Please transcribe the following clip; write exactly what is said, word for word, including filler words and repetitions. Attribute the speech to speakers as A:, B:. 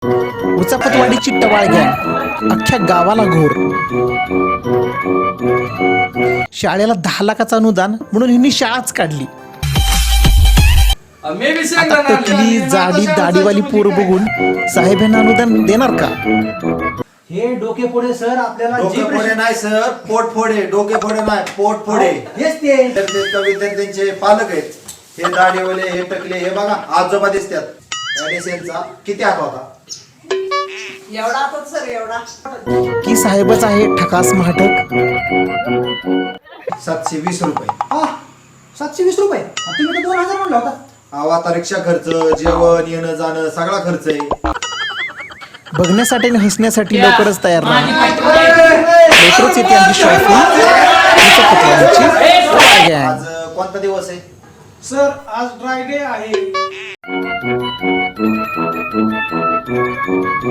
A: उचापतवाडीची टवाळ गँग अख्ख्या गावाला घोर. शाळेला दहा लाखाचं अनुदान म्हणून ह्यांनी शाळाच काढली. आता टकली जाडी दाढीवाली पोर बघून साहेब यांना अनुदान देणार का?
B: हे डोके फोडे सर आपल्याला
C: डोके फोडे नाही सर, पोट फोडे. डोके फोडे नाही, पोट फोडे.
B: हेच ते
C: तर ते विद्यार्थ्यांचे पालक आहेत. हे दाढीवाले, हे टकले, हे बघा आजोबा दिसतात. एनएसएनचा किती हात होता?
D: एवढा आता सर एवढा
A: की साहेबच आहे ठकास महाटक?
C: सातशे वीस रुपये.
B: हा सातशे वीस रुपये तुम्ही तर दोन हजार म्हणला होता.
C: अहो, आता रिक्षा खर्च, जेवण येणं जाणं सगळा खर्च आहे.
A: बघण्यासाठी आणि हसण्यासाठी लवकरच तयार राहा. लवकरच येते आमची शॉपिंग. उचापतवाडीची टवाळ गँग.
C: आज कोणता दिवस आहे?
B: सर आज ड्राय डे आहे.